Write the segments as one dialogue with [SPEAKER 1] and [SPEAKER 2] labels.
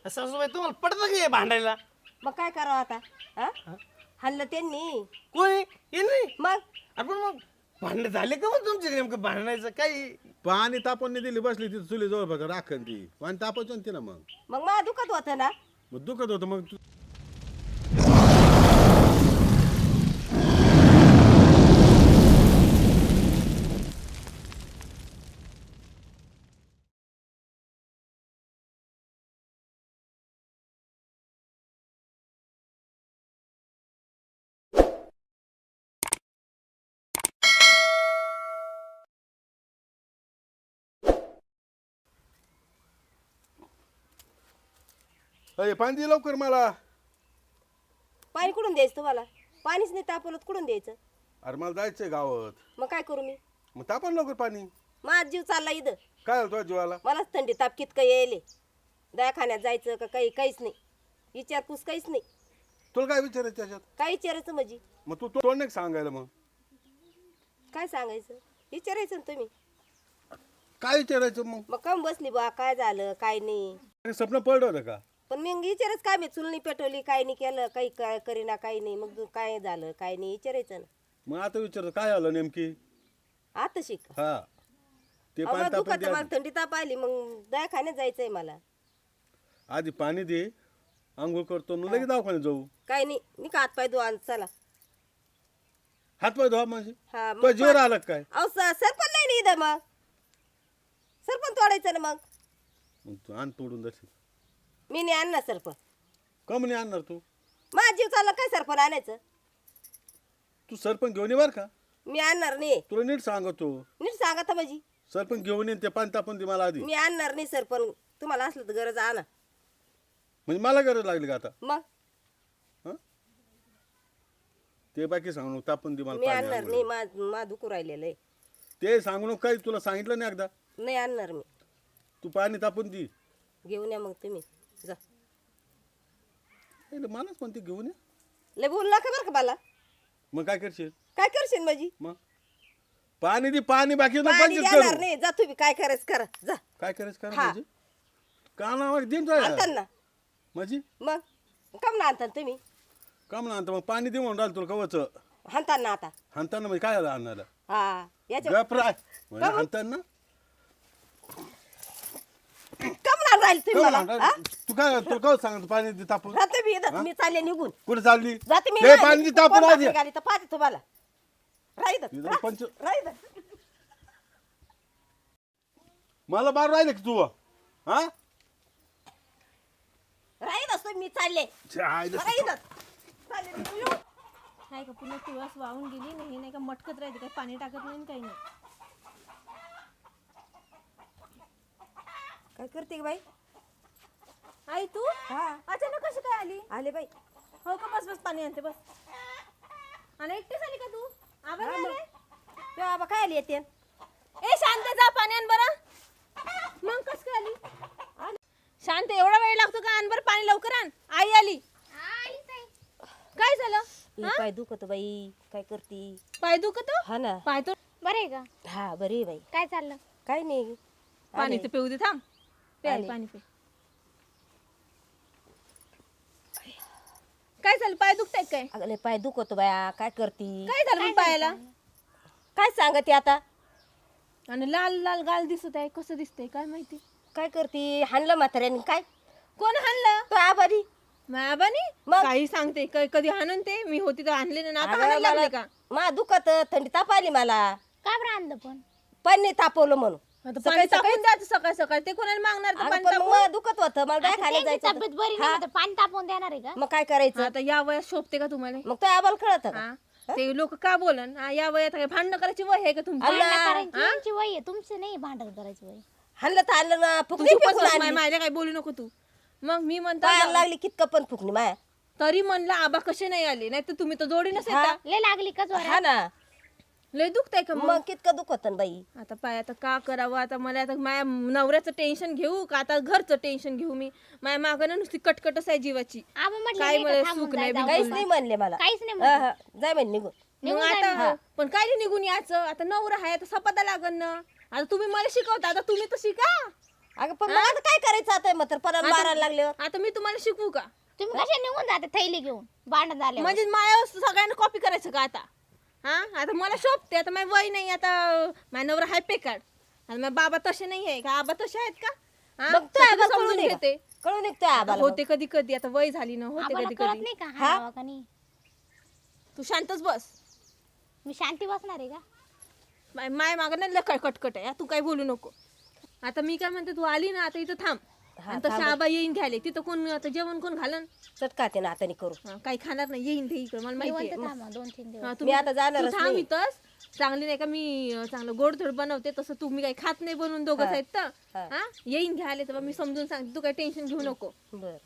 [SPEAKER 1] सासूबाई तुम्हाला पडतं की हे भांडायला?
[SPEAKER 2] मग काय करावं आता? हा? हल्लं त्यांनी
[SPEAKER 1] कोणी हे नाही
[SPEAKER 2] मग
[SPEAKER 1] आपण मग भांडण झाले का मग तुमचे नेमकं भांडणायचं काही?
[SPEAKER 3] पाणी तापण दिली बसली तिथं चुली जवळ बघा राखण ती पाणी तापायचं तिला मग
[SPEAKER 2] मग मला दुखत होतं ना.
[SPEAKER 3] मग दुखत होतं मग अरे पाणी दे लवकर मला.
[SPEAKER 2] पाणी कुठून द्यायचं तुम्हाला? पाणीच नाही तापवलं तर कुठून द्यायचं?
[SPEAKER 3] अरे मला जायचंय गावात.
[SPEAKER 2] मग काय करू मी?
[SPEAKER 3] मग तापण लवकर पाणी.
[SPEAKER 2] माझा जीव चालला इथं.
[SPEAKER 3] काय झालं तुझ्या जीवाला?
[SPEAKER 2] मलाच थंडी ताप कितकं यायले. दवाखान्यात जायचं का काहीच नाही. विचारपूस काहीच नाही.
[SPEAKER 3] तुला काय विचारायचं त्याच्यात?
[SPEAKER 2] काय विचारायचं म्हणजे?
[SPEAKER 3] मग तू तोंड नाही सांगायला मग
[SPEAKER 2] काय सांगायचं? विचारायचं ना तुम्ही.
[SPEAKER 3] काय विचारायचं
[SPEAKER 2] मग कम बसली बा, काय झालं काय नाही.
[SPEAKER 3] मग स्वप्न पडलं होतं का?
[SPEAKER 2] पण मग विचारच काय मी चुलणी पेटवली काय नाही केलं काही काय करीना काही नाही. मग काय झालं काय नाही विचारायचं ना.
[SPEAKER 3] मग आता विचारतो काय आलं नेमकी?
[SPEAKER 2] आता शिक.
[SPEAKER 3] हा ते
[SPEAKER 2] अहो,
[SPEAKER 3] पाणी
[SPEAKER 2] मला दुखत
[SPEAKER 3] तापण
[SPEAKER 2] मला थंडी ताप आली मग दवाखान्यात जायचंय मला.
[SPEAKER 3] आधी पाणी दे आंघोळ करतो मग लगेच दवाखान्यात जाऊ.
[SPEAKER 2] काय नाही मी का हात पाय धुवा चला.
[SPEAKER 3] हात पाय धुवा म्हणजे
[SPEAKER 2] हा
[SPEAKER 3] तुझ्या जीवर आलं का काय?
[SPEAKER 2] अहो सरपण नाही ना इथं. मग सरपण तोडायचं ना. मग
[SPEAKER 3] मग तू आण तोडून दर्शन.
[SPEAKER 2] मी नाही आणणार सरपण.
[SPEAKER 3] कम नाही आणणार तू?
[SPEAKER 2] माझा जीव चालला काय सरपण आणायचं?
[SPEAKER 3] तू सरपंच घेऊन ये बर का?
[SPEAKER 2] मी आणणार नाही.
[SPEAKER 3] तुला नीट सांगतो
[SPEAKER 2] नीट सांगा तर माझी.
[SPEAKER 3] सरपंच घेऊन येईन ते पाणी तापून दे मला आधी.
[SPEAKER 2] मी आणणार नाही सरपण. तुम्हाला असलं तर गरज आणा.
[SPEAKER 3] म्हणजे मला गरज लागली का आता?
[SPEAKER 2] मग
[SPEAKER 3] ते बाकी सांगू नको तापून दे मला
[SPEAKER 2] मी
[SPEAKER 3] पाणी
[SPEAKER 2] आणणार
[SPEAKER 3] आंघोळीला.
[SPEAKER 2] नाही. मा दुखू राहिलेलं आहे.
[SPEAKER 3] ते सांगू नको काही तुला सांगितलं नाही एकदा.
[SPEAKER 2] नाही आणणार मी.
[SPEAKER 3] तू पाणी तापून दे.
[SPEAKER 2] घेऊन या मग तुम्ही जा.
[SPEAKER 3] मलाच म्हणते घेऊन ये.
[SPEAKER 2] लय बोलू नका बरं का मला.
[SPEAKER 3] मग काय करशील?
[SPEAKER 2] काय करशील माझी?
[SPEAKER 3] मग पाणी दे पाणी बाकी नको
[SPEAKER 2] पाणी
[SPEAKER 3] पंचायत
[SPEAKER 2] देणार
[SPEAKER 3] करू.
[SPEAKER 2] नाही. जा तुम्ही काय करायचं करा जा.
[SPEAKER 3] काय करायचं करा
[SPEAKER 2] हा.
[SPEAKER 3] म्हणजे का नाव देऊन
[SPEAKER 2] आणतान
[SPEAKER 3] जाय
[SPEAKER 2] ना.
[SPEAKER 3] माझी
[SPEAKER 2] मग कम ना आणतान तुम्ही?
[SPEAKER 3] का म्हणा आणता मग पाणी दे म्हणून राहिलं तुला कवच
[SPEAKER 2] हाणतान ना आता.
[SPEAKER 3] हाणताना म्हणजे काय झालं आणण्याला?
[SPEAKER 2] हा याच्या
[SPEAKER 3] गपराय म्हणजे हाणताना
[SPEAKER 2] कम ना राहील तुम्ही मला. हा?
[SPEAKER 3] तू काय तुला कवच सांगतो पाणी दे तापून.
[SPEAKER 2] राहते मी इथं. मी चालले निघून.
[SPEAKER 3] कुठे चालली?
[SPEAKER 2] जाते मी.
[SPEAKER 3] हे पाणी दे तापून आधी.
[SPEAKER 2] गाडी तर पाहते तुम्हाला.
[SPEAKER 3] इथं
[SPEAKER 2] राहित
[SPEAKER 3] पंच
[SPEAKER 2] राहित
[SPEAKER 3] मला बार राहिले की तू हा
[SPEAKER 2] राहित असतो मी चालले.
[SPEAKER 3] आईला
[SPEAKER 2] राहित चालले निघून येऊ.
[SPEAKER 4] काय का पुन्हा तुळस वाहून गेली नाही नाही का मटकत राहते काही पाणी टाकत नाही काही नाही.
[SPEAKER 2] काय करते ग बाई?
[SPEAKER 4] आई तू
[SPEAKER 2] हा
[SPEAKER 4] अचानक कशी काय आली?
[SPEAKER 2] आले बाई.
[SPEAKER 4] हो का बस बस पाणी आणते बस. आणि एकटीच आली का तू? आबा
[SPEAKER 2] हा,
[SPEAKER 4] नाही
[SPEAKER 2] मग.
[SPEAKER 4] आले?
[SPEAKER 2] तेव्हा आबा काय आली येते?
[SPEAKER 4] ए शांत जा पाणी आण बरं. मग कस काय आली? शांत एवढा वेळ लागतो का? आण बरं पाणी लवकर आण. आई आली. काय झालं?
[SPEAKER 2] ही पाय दुखत बाई. काय करती?
[SPEAKER 4] पाय दुखत?
[SPEAKER 2] हा ना.
[SPEAKER 4] पाय तो बरे आहे का?
[SPEAKER 2] हा बरी आहे बाई.
[SPEAKER 4] काय चाललं?
[SPEAKER 2] काय नाही.
[SPEAKER 4] पाणी तर पिऊ दे थांब. पे आई,
[SPEAKER 2] आले.
[SPEAKER 4] पाणी पे. काय झालं? पाय दुखताय काय?
[SPEAKER 2] अगं लय पाय दुखत बाया. काय करती?
[SPEAKER 4] काय झालं मग पायाला?
[SPEAKER 2] काय सांगते आता?
[SPEAKER 4] आणि लाल लाल गाल दिसत आहे. कसं दिसतंय काय माहिती?
[SPEAKER 2] काय करती? हाणलं म्हाताऱ्याने काय?
[SPEAKER 4] कोण हाणलं?
[SPEAKER 2] तो आबारी.
[SPEAKER 4] मायाबानी?
[SPEAKER 2] मग?
[SPEAKER 4] काही सांगते कधी हाणन ते मी होती तर आणले ना आता हाणायला लागले का?
[SPEAKER 2] मा दुखत थंडी ताप आली मला.
[SPEAKER 5] का बरं आणलं पण?
[SPEAKER 2] पाणी तापवलं म्हणून.
[SPEAKER 4] आता पाणी टाकून द्यायचं सकाळ सकाळ ते कोणाला मागणार तर
[SPEAKER 2] अगं
[SPEAKER 4] पाणी
[SPEAKER 2] पण
[SPEAKER 4] टाकून?
[SPEAKER 2] मला दुखत होतं. मला
[SPEAKER 5] आता
[SPEAKER 2] दवाखान्यात
[SPEAKER 5] त्यांची
[SPEAKER 2] जायचं
[SPEAKER 5] तब्येत
[SPEAKER 2] होतं.
[SPEAKER 5] बरी नाही तर पाणी तापवून देणार आहे का?
[SPEAKER 2] मग काय करायचं?
[SPEAKER 4] आता या वयात शोभते का तुम्हाला?
[SPEAKER 2] मग तो आबाला कळत का?
[SPEAKER 4] हा? ते लोक का बोलन? हा, या वयात काय भांडणं करायची वय आहे का तुमची?
[SPEAKER 2] अल्ला.
[SPEAKER 5] भांडण करायची यांची वय आहे, तुमचं नाही भांडण करायची वय.
[SPEAKER 2] हाणलं तर हाणलं ना.
[SPEAKER 4] तू
[SPEAKER 2] फुकणी
[SPEAKER 4] चुपच
[SPEAKER 2] फेकून
[SPEAKER 4] बस,
[SPEAKER 2] आणली.
[SPEAKER 4] माझ्या काय बोलू नको तू. मग मी म्हणता
[SPEAKER 2] पायाला लागली कितकं पण फुकणी माया.
[SPEAKER 4] तरी म्हणलं आबा कसे नाही आले नाही तर तुम्ही तर जोडीनच
[SPEAKER 2] हा.
[SPEAKER 4] येता.
[SPEAKER 5] लय लागली का
[SPEAKER 2] हा
[SPEAKER 5] जोरात?
[SPEAKER 2] ना.
[SPEAKER 4] लय दुखतंय का मग?
[SPEAKER 2] मग कितकं दुखत बाई.
[SPEAKER 4] आता पाय आता का करावं? आता मला आता माझ्या नवऱ्याचं टेन्शन घेऊ का आता घरचं टेन्शन घेऊ मी? माझ्या मागं ना नुसती कटकटच आहे जीवाची.
[SPEAKER 5] आबा म्हटलं
[SPEAKER 4] काय
[SPEAKER 5] नाही का
[SPEAKER 4] मला
[SPEAKER 5] थांबून
[SPEAKER 4] सुख नाही
[SPEAKER 5] जाय, जाऊ
[SPEAKER 2] काहीच
[SPEAKER 5] दे.
[SPEAKER 2] नाही म्हणले मला.
[SPEAKER 5] काहीच नाही
[SPEAKER 2] हा,
[SPEAKER 5] म्हणले.
[SPEAKER 2] हा. जाय म्हणे निघून.
[SPEAKER 4] मग
[SPEAKER 5] निघून जाय
[SPEAKER 4] आता पण काय नाही निघून यायचं? आता नवरा आहे आता सपाता लागन ना. आता तुम्ही मला शिकवता आता तुम्ही तर शिका.
[SPEAKER 2] अगं पण मग आता काय करायचं आता मग परत मारायला लागल्यावर
[SPEAKER 4] आता मी तुम्हाला शिकवू का
[SPEAKER 5] तुम्ही कशा निघून जाते थैली घेऊन भांडण झाले
[SPEAKER 4] म्हणजे माझ्या सगळ्यांना कॉपी करायचं का आता हा आता मला शोभते आता माझं वय नाही आता माझ्या नवरा हाय पेकाड आणि माझे बाबा तसे नाही आहे का आबा तसे आहेत का हा?
[SPEAKER 2] मग तू
[SPEAKER 4] सगळं
[SPEAKER 2] आबाला
[SPEAKER 4] समजून
[SPEAKER 2] कळून
[SPEAKER 4] घेते
[SPEAKER 2] कळून निघतोय आबाला
[SPEAKER 4] होते कधी कधी आता वय झाली ना होते
[SPEAKER 5] आम्हाला
[SPEAKER 4] कधी
[SPEAKER 5] कळत
[SPEAKER 4] कधी
[SPEAKER 5] नाही का हा नावा का नाही
[SPEAKER 4] तू शांतच बस
[SPEAKER 5] मी शांती बसणार आहे का
[SPEAKER 4] माय मागं नाही लय कटकट आहे हा, तू काही बोलू नको आता मी काय म्हणते तू आली ना आता इथं थांब आणि तसं आबा येईन घ्यायला तिथं कोण आता जेवण कोण घालन
[SPEAKER 2] चटकाते ना हाताने करू
[SPEAKER 4] हा, काही खाणार नाही येईन ते इकडे मला माहिती आहे
[SPEAKER 5] थांबा 2-3 दिवस
[SPEAKER 4] हा,
[SPEAKER 2] मी आता जाणारच
[SPEAKER 4] तू थांब
[SPEAKER 2] नाही.
[SPEAKER 4] इथंच चांगली नाही का मी चांगलं गोडधोड बनवते तसं तू मी काही खात नाही बनवून दोघंच आहेत तर
[SPEAKER 2] हा.
[SPEAKER 4] हा येईन घ्यायला तर मी समजून सांगते तू काही टेन्शन घेऊ नको
[SPEAKER 2] बर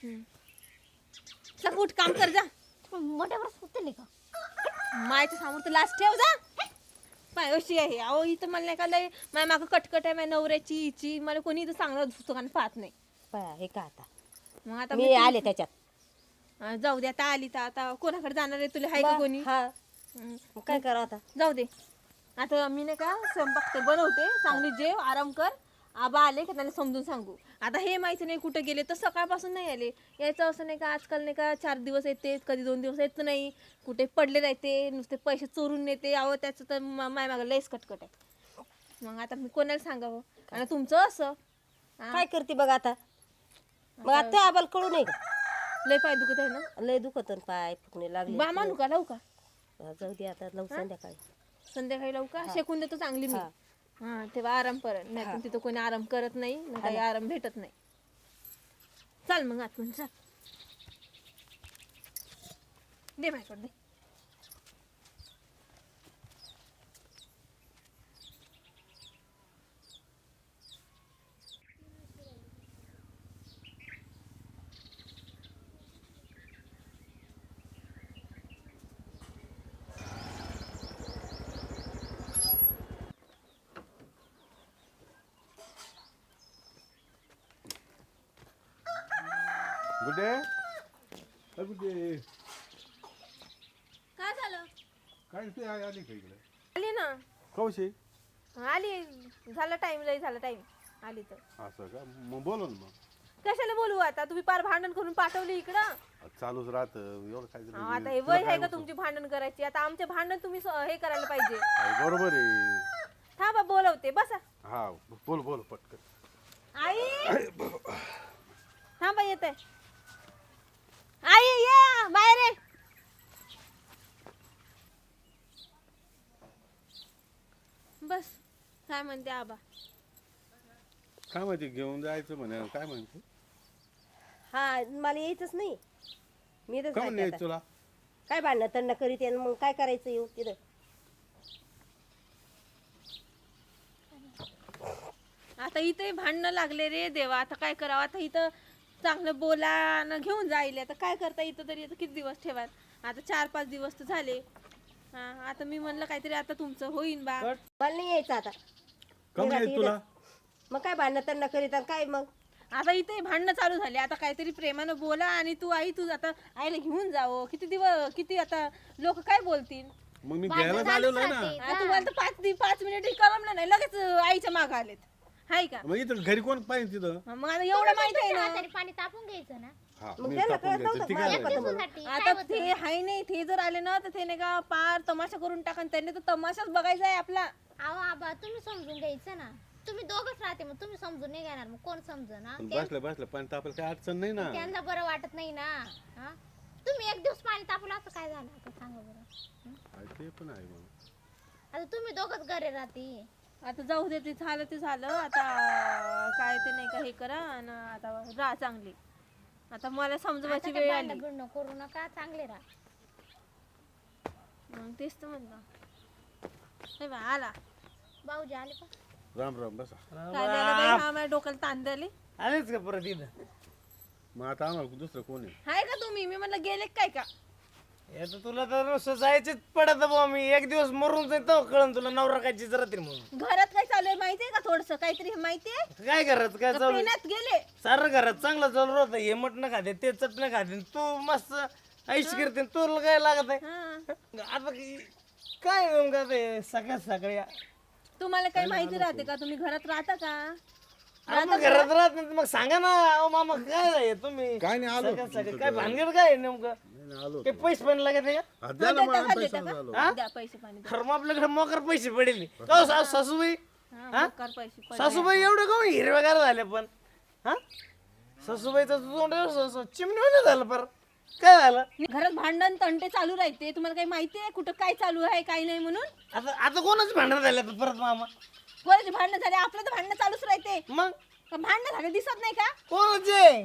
[SPEAKER 4] सग उठ काम कर जा
[SPEAKER 5] मोठ्यावर सुचले का
[SPEAKER 4] मायच्या समोर तर लास्ट ठेव जा पाय अशी आहे अहो इथं मला नाही का लय माझ्या मागं कटकट आहे माझ्या नवऱ्याची हिची मला कोणी इथं चांगलं दुसरं पाहत नाही
[SPEAKER 2] पाया हे का आता
[SPEAKER 4] मग आता
[SPEAKER 2] मी आले त्याच्यात
[SPEAKER 4] जाऊ दे आता आली तर आता कोणाकडे जाणार आहे तुला हाय का कोणी
[SPEAKER 2] हा
[SPEAKER 4] हं.
[SPEAKER 2] मग काय करावं आता
[SPEAKER 4] जाऊ दे आता मी नाही का स्वयंपाक ते बनवते चांगली जेव आराम कर आबा आले का त्यांना समजून सांगू आता हे माहिती नाही कुठे गेले तर सकाळपासून नाही आले यायचं असं नाही का आजकाल नाही का 4 दिवस येते कधी 2 दिवस येत नाही कुठे पडले राहते नुसते पैसे चोरून नेते अहो त्याचं तर माय मागं लयच कटकट आहे मग आता मी कोणाला सांगावं आणि तुमचं असं
[SPEAKER 2] काय करते बघ आता मग आता त्या आबाला कळू नाही का
[SPEAKER 4] लय पाय दुखत आहे ना
[SPEAKER 2] लय दुखत पाय फुकणे लागले
[SPEAKER 4] बा मानू का लावू का
[SPEAKER 2] जाऊ दे आता लव संध्याकाळी
[SPEAKER 4] संध्याकाळी लावू का शेकून देतो चांगली मी हा तेव्हा आराम करत नाही पण तिथं कोणी आराम करत नाही ना काही आराम भेटत नाही चल मग आतून चल दे माझ्याकडे दे
[SPEAKER 3] गुड्डे गुड्डे
[SPEAKER 4] काय झालं
[SPEAKER 3] काय ते आली का इकडे
[SPEAKER 4] आली ना
[SPEAKER 3] कौशी
[SPEAKER 4] आली झाला टाइम लय झाला टाइम आली तर
[SPEAKER 3] असं का मग बोलो ना मग
[SPEAKER 4] कशाला बोलू आता तुम्ही पार भांडण करून पाठवली इकडं
[SPEAKER 3] चालूच राहत एवढं काय
[SPEAKER 4] हा, आता हे वय आहे का तुमची भांडण करायची आता आमचे भांडण तुम्ही हे करायला पाहिजे
[SPEAKER 3] बरोबर आहे
[SPEAKER 4] थांबा बोलवते बसा
[SPEAKER 3] हा बोल बोल पटकन
[SPEAKER 4] आई थांबा येते आई ये बाहेर ये बस काय म्हणते आबा
[SPEAKER 3] काय माहिती घेऊन जायचं म्हणे काय म्हणते
[SPEAKER 2] हा मला यायचंच नाही मी तर
[SPEAKER 3] का म्हणे तुला
[SPEAKER 2] काय भांडणं तंड करीत आहे, मग काय करायचं येऊ तिथं
[SPEAKER 4] आता इथे भांडणं लागले रे देवा आता काय करावं आता इथं चांगलं बोला न घेऊन जाईल आता काय करता इथं तरी आता किती दिवस ठेवाल आता 4-5 दिवस तर झाले हा आता मी म्हणलं काहीतरी आता तुमचं होईन बा
[SPEAKER 2] मला नाही यायचं आता
[SPEAKER 3] का म्हणे तुला
[SPEAKER 2] मग काय भांडणं तंड करीत आणि काय मग
[SPEAKER 4] आता इथे भांडणं चालू झाले आता काहीतरी प्रेमानं बोला आणि तू आई तू आता आईला घेऊन जावं किती दिवस किती आता लोक काय बोलतील
[SPEAKER 3] मग मी घ्यायला आलेलो आहे ना
[SPEAKER 4] हा, तुम्हाला तर 5 मिनिट करमलं नाही लगेच आईच्या मागं आलेत हाय का
[SPEAKER 3] मग इथं घरी कोण पाहिजे तिथं
[SPEAKER 4] मग आता एवढं माहित आहे ना
[SPEAKER 5] हाताने पाणी तापून घ्यायचं ना
[SPEAKER 3] हा
[SPEAKER 2] मग
[SPEAKER 3] मी
[SPEAKER 2] त्याला
[SPEAKER 3] तापून
[SPEAKER 2] कळत
[SPEAKER 3] घ्यायचं ती
[SPEAKER 2] नव्हतं
[SPEAKER 3] काय
[SPEAKER 2] माझ्या
[SPEAKER 3] म्हणते?
[SPEAKER 2] पद्धतीनं.
[SPEAKER 4] आता ते हाय नाही ते जर आले ना तर ते नाही का पार तमाशा करून टाकन त्यांनी तर तमाशाच बघायचा आहे आपला
[SPEAKER 5] अहो आबा तुम्ही समजून घ्यायचं ना तुम्ही दोघच राहते मग तुम्ही समजून नाही घेणार मग कोण समजून ना
[SPEAKER 3] पण बसलं पाणी तापायला काही अडचण नाही ना
[SPEAKER 5] त्यांना बरं वाटत नाही ना हा तुम्ही एक दिवस पाणी तापलं असं काय झालं आता सांगा बरं
[SPEAKER 3] हा, ते पण आहे मग
[SPEAKER 5] आता तुम्ही दोघच घरी राहते
[SPEAKER 4] आता जाऊ दे ते झालं आता काय ते नाही का हे करा आणि आता राहा चांगली आता मला समजवायची वेळ आली
[SPEAKER 5] भांडण बिंडण करू नका चांगले राहा
[SPEAKER 4] मग तेच तर म्हणलं हे बा आला
[SPEAKER 5] भाऊजी आले का
[SPEAKER 3] राम राम बसा
[SPEAKER 4] काय झालं बाई हा माझ्या डोक्याला ताण द्याले
[SPEAKER 1] आलेच का परत इथं
[SPEAKER 3] मग आता आम्हाला दुसरं कोण आहे
[SPEAKER 4] हाय का तुम्ही मी म्हणलं गेले काय का
[SPEAKER 1] आता तुला तर रोज जायचेच पडत बुवा मी एक दिवस मरून जाईन तर कळन तुला नवरा काय चित्र राहतील म्हणून
[SPEAKER 4] घरात काय चालू आहे माहितीये का थोडस काहीतरी माहितीये
[SPEAKER 1] काय करत काय चालू
[SPEAKER 4] पेण्यात गेले
[SPEAKER 1] सारं घरात चांगलं चालू राहतं हे मटणं खाते ते चटणं खाते तू मस्त आईश करते तुला काय लागत आहे
[SPEAKER 4] हा
[SPEAKER 1] आता काय नेमकं ते सगळ्यात सगळ्या
[SPEAKER 4] तुम्हाला काही माहिती राहते का तुम्ही घरात राहता का
[SPEAKER 1] अरे मग घरात राहत नाही तर मग सांगा ना. अहो मामा काय आहे तुम्ही
[SPEAKER 3] काय नाही आलो
[SPEAKER 1] सगळं काय भानगड काय आहे नेमकं?
[SPEAKER 3] नाही, आलो
[SPEAKER 1] काही पैसे पण लागत नाही का?
[SPEAKER 3] हा, द्या ना
[SPEAKER 4] देता
[SPEAKER 3] मला
[SPEAKER 4] का,
[SPEAKER 3] पैसा
[SPEAKER 4] देता का?
[SPEAKER 3] झालो
[SPEAKER 4] द्या पैसे पाणी द्या.
[SPEAKER 1] खरं मग आपल्याकडे मोकर पैसे पडेल का हो सासूबाई?
[SPEAKER 4] हा, मोकार पैसे पडले.
[SPEAKER 1] सासूबाई एवढं का हिरवेगार झाले पण? हा सासूबाईचं तोंड चिमणी झालं पर काय झालं?
[SPEAKER 4] घरात भांडण तंटे चालू राहते. तुम्हाला काही माहिती आहे कुठं काय चालू आहे काय नाही म्हणून?
[SPEAKER 1] आता आता कोणाच भांडण झालं आता परत मामा?
[SPEAKER 4] कोणाचे भांडण झाले? आपलं तर भांडण चालूच राहते.
[SPEAKER 1] मग
[SPEAKER 4] का भांडण झाले दिसत नाही का?
[SPEAKER 1] कोणाचे?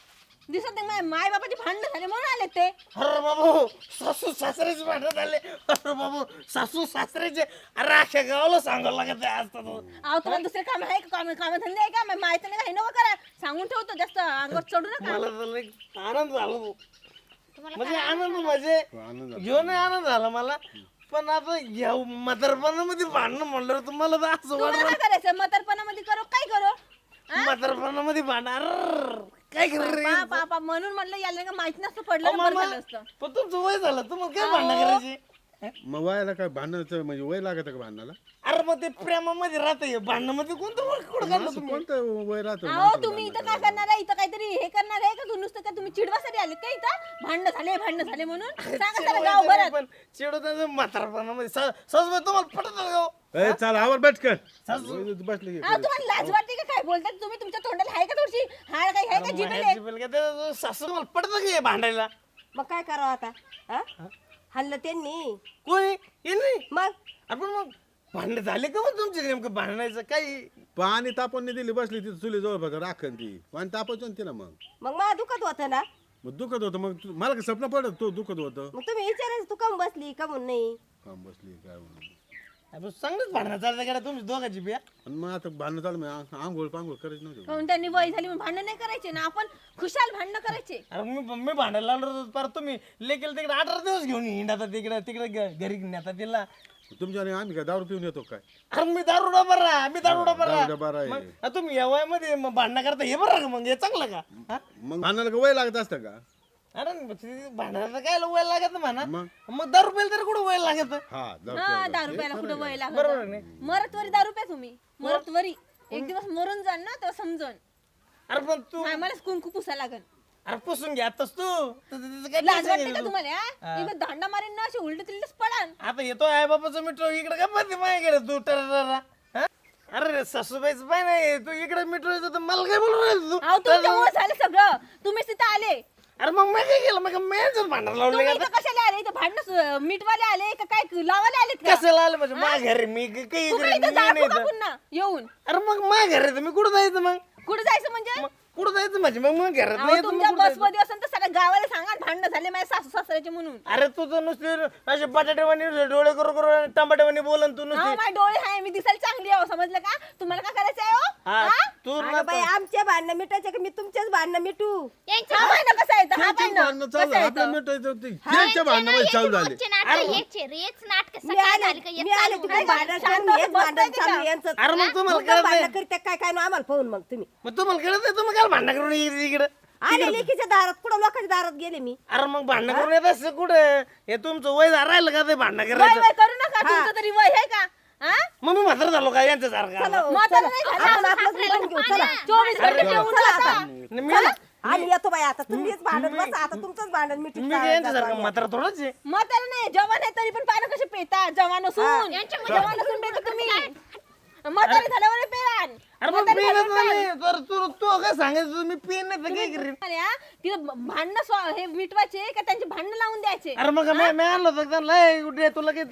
[SPEAKER 4] दिसत नाही. माय बाबाचे भांडण झाले म्हणून आले ते.
[SPEAKER 1] अरे बाबू सासू सासऱ्याचे भांडण झाले. अरे बाबू सासू सासऱ्याचे. अरे अख्ख्या गावाला सांगावं लागत आहे आज तर.
[SPEAKER 4] अहो तुम्हाला दुसरे काम आहे का? काम धंदे आहे का? माहिती नाही का? हे नको करा. सांगून ठेवतो जास्त अंगावर चढू नका.
[SPEAKER 1] मला तर लई आनंद झाला भाऊ.
[SPEAKER 5] तुम्हाला
[SPEAKER 1] म्हणजे आनंद म्हणजे
[SPEAKER 3] आनंद झाला.
[SPEAKER 1] घेऊन आनंद झाला मला. पण आता या म्हातारपणामध्ये भांडणं म्हणलं तुम्हाला तर असं
[SPEAKER 4] तुम्हाला काय करायचं? म्हातारपणामध्ये करो काय करो?
[SPEAKER 1] म्हातारपणामध्ये भांडणार काय करायचं?
[SPEAKER 4] पापा म्हणून म्हणलं याला का माहिती नसतं पडलं ना बरं झालं असतं.
[SPEAKER 1] पण तुमचं वय झालं तुम्हाला काय भांडणं करायची?
[SPEAKER 3] मग वयाला काय भांडणाचं म्हणजे वय लागत का भांडणाला?
[SPEAKER 1] अरे मग ते प्रेमामध्ये राहते भांडणामध्ये कोणतं वय कुठं काढलं
[SPEAKER 3] असं
[SPEAKER 1] तुम्ही?
[SPEAKER 3] कोणतं वय राहतं
[SPEAKER 4] अहो
[SPEAKER 3] माणसाला
[SPEAKER 4] तुम्ही इथं
[SPEAKER 3] भांडणाला?
[SPEAKER 4] काय करणार आहे? इथं काहीतरी हे करणार आहे का? नुसतं का तुम्ही चिडवासाठी आले का इथं? भांडण झाले म्हणून सांगा सर गाव भरात.
[SPEAKER 1] पण चिडवताना म्हातारपणामध्ये सासूबाई तुम्हाला पटत का हो?
[SPEAKER 3] ए, चल आवर बैठकर बसले की.
[SPEAKER 4] अहो तुम्हाला लाज वाटते का? काय बोलतात तुम्ही? तुमच्या तोंडाला आहे का थोडीशी हाड काही आहे का? जिभेल आहे?
[SPEAKER 1] जिबेल का ते सासू तुम्हाला पटत का हे भांडायला?
[SPEAKER 2] मग काय करावं आता? हा? हल्लं त्यांनी
[SPEAKER 1] कोणी हे नाही
[SPEAKER 2] मग
[SPEAKER 1] आपण मग भांडण झाले का मग तुमचे नेमकं भांडणायचं काही?
[SPEAKER 3] पाणी तापण दिली बसली तिथे चुली जवळ बघा राखण ती पाणी तापायचं ना तिला मग
[SPEAKER 2] मला दुखत होतं ना.
[SPEAKER 3] मग दुखत होतं मग मला काय स्वप्न पडत तो दुखत होतं
[SPEAKER 2] मग तुम्ही विचारायचं तू कम बसली कमून नाही.
[SPEAKER 3] काम बसली काय म्हणून.
[SPEAKER 1] आपण चांगलंच भांडणं चालतं का तुमची दोघांची बिया?
[SPEAKER 3] आणि मग आता भांडणं चालू मग आंघोळ पांघोळ करायची नव्हती
[SPEAKER 4] काहून त्यांनी वय झाली म्हणून भांडण नाही करायचे ना? आपण खुशाल भांडणं करायचे.
[SPEAKER 1] अरे मी भांडायला लागलो होतो परत तुम्ही लेकेल तिकडे 18 दिवस घेऊन हिंडा तिकडे तिकडे घरी नेता तिला.
[SPEAKER 3] तुमच्या आणि आम्ही काय दारू पिऊन येतो काय?
[SPEAKER 1] अरे मी दारुडा बरा मी दारुडा
[SPEAKER 3] दारुडा बरा आहे.
[SPEAKER 1] बरा तुम्ही या वयामध्ये मग भांडणं करता हे बरं का मग हे चांगलं का? हा?
[SPEAKER 3] मग भांडणाला का वय लागत असतं का?
[SPEAKER 1] अरे भांडणाला काय वय लागत म्हणा.
[SPEAKER 3] मग
[SPEAKER 1] मग दारू प्यायला तरी कुठं वय लागत?
[SPEAKER 3] हा दारू
[SPEAKER 4] हा
[SPEAKER 3] प्यायला.
[SPEAKER 4] 10 रुपयाला कुठं वय
[SPEAKER 1] बरोबर
[SPEAKER 4] लागत?
[SPEAKER 1] नाही?
[SPEAKER 4] मरतवरी 10 रुपये तुम्ही मरतवरी एक दिवस मरून जाल ना तेव्हा समजून.
[SPEAKER 1] अरे पण तू
[SPEAKER 4] मला कुंकू पुसा लागल.
[SPEAKER 1] अरे पुसून घ्या आताच तू त्याचं काय
[SPEAKER 4] लाज
[SPEAKER 1] tension
[SPEAKER 4] वाटते
[SPEAKER 1] आहे
[SPEAKER 4] का
[SPEAKER 1] तू?
[SPEAKER 4] तुम्हाला? इकडे दांडा मारीन ना असे उलटे तिलटेच पडान.
[SPEAKER 1] आता येतो आई बाबाचं मिठो इकडे काय पाहते माझ्याकडे तू टररा हा? अरे सासूबाईचं पाय नाही तू इकडे मिठो तर मला काय बोलू राहिली तू?
[SPEAKER 4] अहो तुमच्यामुळे झालं सगळं. तुम्हीच तिथं आले.
[SPEAKER 1] अरे मग मी काय केलं मग मी भांडण लावले
[SPEAKER 4] तुम्ही इथं कशाला आले? इथं भांडण मीठवाले आले का काय लावाले आलेत का?
[SPEAKER 1] कसं आलं म्हणजे माझ्या घरी मी काही
[SPEAKER 4] तुम्ही इथं जाळू का पुन्हा येऊन?
[SPEAKER 1] अरे मग माझ्या घरी मी कुठं जायचं मग?
[SPEAKER 4] कुठं जायचं म्हणजे?
[SPEAKER 1] मग कुठं जायचं म्हणजे मग घरात
[SPEAKER 4] अहो,
[SPEAKER 1] नाही येत, मग
[SPEAKER 4] तुमच्या
[SPEAKER 1] कुठं जायचं?
[SPEAKER 4] बसमध्ये असेल तर सगळ्या गावाला सांगा भांडण झाले माझ्या सासू सासऱ्याचे म्हणून.
[SPEAKER 1] अरे तू तर नुसते असे बटाटेवानी डोळे करू करू टमाटेवानी बोलन तू
[SPEAKER 4] हा
[SPEAKER 1] नुसते.
[SPEAKER 4] माझे डोळे आहे मी दिसायला चांगली आहे समजलं का? तुम्हाला काय करायचं आहे हो?
[SPEAKER 1] हा,
[SPEAKER 4] हा?
[SPEAKER 1] तू
[SPEAKER 2] अगं बाई आमचे भांडणं मिटायचे का मी तुमचेच भांडणं मिटू?
[SPEAKER 5] यांचे
[SPEAKER 4] हा भांडण कसं येतं? हा
[SPEAKER 3] त्यांची
[SPEAKER 4] भांडण
[SPEAKER 3] भांडणं चालू
[SPEAKER 4] कसं
[SPEAKER 3] आपलं
[SPEAKER 4] येतं?
[SPEAKER 3] मिटायचं ते त्यांच्या भांडणामध्ये चालू झाले.
[SPEAKER 5] रोजचे नाटक हेच नाटक
[SPEAKER 2] मी
[SPEAKER 5] सकाळी
[SPEAKER 2] आले
[SPEAKER 5] झाली का
[SPEAKER 2] मी
[SPEAKER 5] एक
[SPEAKER 2] आले
[SPEAKER 5] चालू
[SPEAKER 2] तिकडे
[SPEAKER 5] होणार.
[SPEAKER 2] भांडण
[SPEAKER 4] शांत
[SPEAKER 2] करून हेच
[SPEAKER 4] बसताय
[SPEAKER 2] भांडण
[SPEAKER 4] का?
[SPEAKER 2] चालू यांचं.
[SPEAKER 1] अरे मग तुम्हाला
[SPEAKER 2] मुद्दाम
[SPEAKER 1] कळत
[SPEAKER 2] भांडणं
[SPEAKER 1] नाही
[SPEAKER 2] करते काय काय ना आम्हाला पाहून मग तुम्ही
[SPEAKER 1] मग तुम्हाला कळत नाही तुम्ही काय भांडण करून इकडे
[SPEAKER 2] आले लेकीच्या दारात कुठं लोकांच्या दारात गेले मी.
[SPEAKER 1] अरे मग भांडण करून येत असं कुठं हे तुमचं वय राहिलं का ते भांडण
[SPEAKER 4] वय
[SPEAKER 1] करायचं?
[SPEAKER 4] वय करू नका तुमचं तरी वय आहे का? हा?
[SPEAKER 1] मग मी म्हातारा झालो का यांच्यासारखा?
[SPEAKER 2] चला,
[SPEAKER 4] म्हातारं
[SPEAKER 2] चला.
[SPEAKER 4] नाही झालं.
[SPEAKER 2] आपण आपलंच मिटून घेऊ चला.
[SPEAKER 4] 24 घंटे पिऊन
[SPEAKER 2] चला
[SPEAKER 4] जाता.
[SPEAKER 2] आता.
[SPEAKER 1] मी
[SPEAKER 2] आणि येतो बाई आता तुम्हीच भांडण बसा आता तुमचंच भांडण मिटून
[SPEAKER 1] मी काय यांच्यासारखा म्हातारा थोडंच आहे.
[SPEAKER 4] म्हातारं नाही जवान आहे तरी पण पानं कसे पेता जवान असून
[SPEAKER 5] यांच्यामध्ये
[SPEAKER 4] जवान असून पेता तुम्ही म्हातारे झाल्यावर पेरान.
[SPEAKER 1] अरे मग पिणच नाही तर तू काय सांगायचं मी पिन नाही तर काय करीन?
[SPEAKER 4] अरे हा, तिथं भांडणं हे मिटवायचे का त्यांचे भांडणं लावून द्यायचे?
[SPEAKER 1] अरे मग मी आणलं होतं त्यांना लय कुठे तुला काय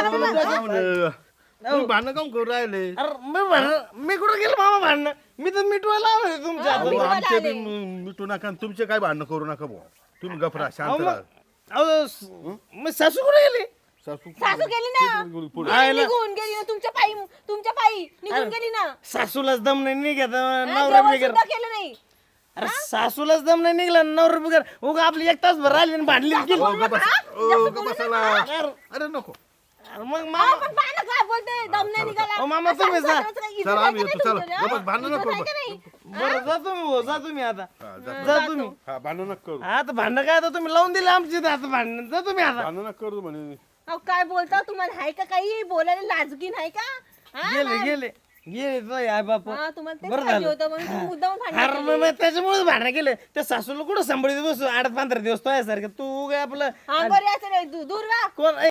[SPEAKER 3] तुम्ही भांडणं काम करू राहिले.
[SPEAKER 1] अरे मी कुठं गेलो मामा भांडणं मी तर मिटवायला आलोय तुमच्या
[SPEAKER 3] अहो,
[SPEAKER 1] हातात.
[SPEAKER 3] आमचे बी मिटू नका आणि तुमचे काय भांडणं करू नका भाऊ. तुम्ही गफरा शांत राहा.
[SPEAKER 1] मग सासू कुठे गेली?
[SPEAKER 3] सासू
[SPEAKER 4] सासू गेली ना निघून गेली ना तुमच्या पायी निघून गेली ना.
[SPEAKER 1] सासूलाच दम नाही निघत
[SPEAKER 4] हा,
[SPEAKER 1] नवरा
[SPEAKER 4] जेवण
[SPEAKER 1] बिगर.
[SPEAKER 4] सुद्धा केलं नाही.
[SPEAKER 1] अरे सासूलाच दम नाही निघला नवरा बिगर उगा आपली एक तास भर राहिली आणि भांडली आणि गेली.
[SPEAKER 3] ओ, ग बसा. ओ, ग बसाला. अरे नको
[SPEAKER 1] अरे मग
[SPEAKER 4] अहो,
[SPEAKER 1] मामा
[SPEAKER 4] पण पाहा ना काय बोलते दम नाही निघाला.
[SPEAKER 1] अहो, मामा, तुम्ही जा.
[SPEAKER 4] सासू-सासऱ्याचं काही इज्जत
[SPEAKER 3] चला,
[SPEAKER 4] आहे
[SPEAKER 3] आम्ही
[SPEAKER 4] का
[SPEAKER 3] येतो,
[SPEAKER 4] नाही
[SPEAKER 3] चला.
[SPEAKER 4] तुमच्याकडे?
[SPEAKER 3] गप्प भांडणं
[SPEAKER 4] इज्जत
[SPEAKER 3] नको
[SPEAKER 4] आहे का
[SPEAKER 3] करू.
[SPEAKER 4] नाही?
[SPEAKER 1] बरं जा तुम्ही भाऊ, जा तुम्ही आता
[SPEAKER 3] हा, जा.
[SPEAKER 1] जा तुम्ही
[SPEAKER 3] हा भांडणं नका करू.
[SPEAKER 1] आता भांडणं काय आता तुम्ही लावून दिले आमची इथं आता भांडणं जा तुम्ही आता
[SPEAKER 3] भांडणं नका करू म्हणे.
[SPEAKER 4] अहो, काय बोलता तुम्हाला आहे का काही बोलायला लाजगी नाही का? हा,
[SPEAKER 1] गेले गेले गेले तुझे आई बाप
[SPEAKER 4] हा तुम्हाला तेच
[SPEAKER 1] बरं
[SPEAKER 4] पाहिजे
[SPEAKER 1] झालं.
[SPEAKER 4] होतं म्हणून तुम्ही मुद्दाम भांडण
[SPEAKER 1] अरे मग मी त्याच्यामुळेच भांडण केलं त्या सासूला कुठं सांभाळीत बसू 8-15 दिवस तो सारखं तू काय आपलं
[SPEAKER 4] अंगावर यायचं नाही दूर वा
[SPEAKER 1] कोण